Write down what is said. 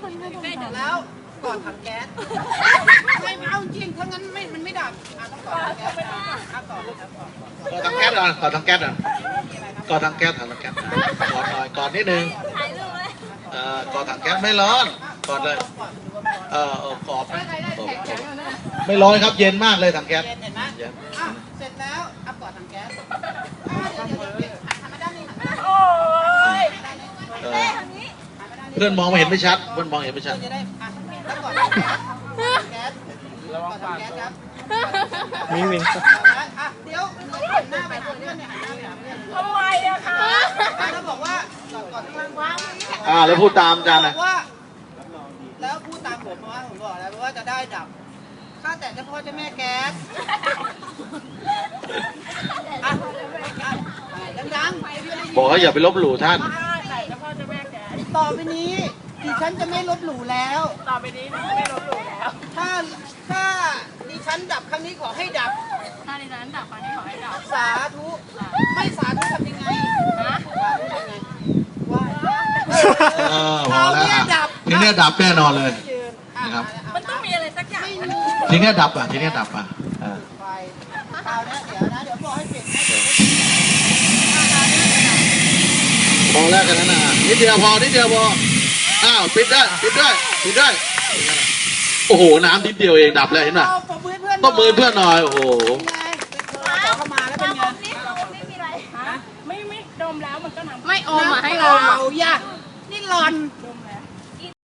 แล้วก่อนถังแก๊สไม่เอาจริงถ้างั้นมันไม่ดับต้องก่อนถังแก๊สก่อนนะครับก่อนก่อถังแก๊สก่อนก่อถังแก๊สก่อนก่อถังแก๊สก่อนก่อนหน่อยก่อนนิดนึงก่อถังแก๊สไม่ร้อนก่อนเลยกรอบไม่ร้อนครับเย็นมากเลยถังแก๊สเห็นไหมเสร็จแล้วเอาก่อนถังแก๊สเดี๋ยวหันมาด้านนี้หันมาด้านนี้โอ้ยเพื่อนมองไม่เห็นไม่ชัดเพื่อนมองเห็นไม่ชัดจะได้แล้วก่อนถังแก๊สก่อนถังแก๊สครับวิ่งเดี๋ยวหันหน้าไปหาเพื่อนเนี่ยหันหน้าไปหาเพื่อนทำไมอะคะแล้วบอกว่าก่อนข้างล่างวางแล้วพูดตามอาจารย์บนะอกว่าแล้วพูดตามผมว่าผมบอกแล้วว่าจะได้ดับข้าแต่เจ้าพ่อเจ้าแม่แก๊สดังๆบอกว่าอย่าไปลบหลู่ท่านแต่เจ้าพ่อเจ้าแม่แกต่อไปนี้ดิฉันจะไม่ลบหลู่แล้วต่อไปนี้ไม่ลบหลู่แล้วถ้าดิฉันดับครั้งนี้ขอให้ดับถ้าในนั้นดับฟังนี้ขอให้ดับสาธุไม่สาธุทำยังไงนะสาธุทำยังไงว่าพอแล้วทีนี้ดับแน่นอนเลย นะครับมันต้องมีอะไรสักอย่างไม่มีทีนี้ดับทีนี้ดับไฟคราวนี้เดี๋ยวบอกให้เปลี่ยนให้พอแล้วกันนะนิดเดียวพอนิดเดียวพอปิดได้โอ้โหน้ำนิดเดียวเองดับแล้วเห็นป่ะตบมือเพื่อนต้องมือเพื่อนหน่อยโอ้โหเข้ามาแล้วเป็นไงไม่มีอะไรฮะไม่ดมแล้วมันก็น้ำไม่อมมาให้เราอย่านี่หลอน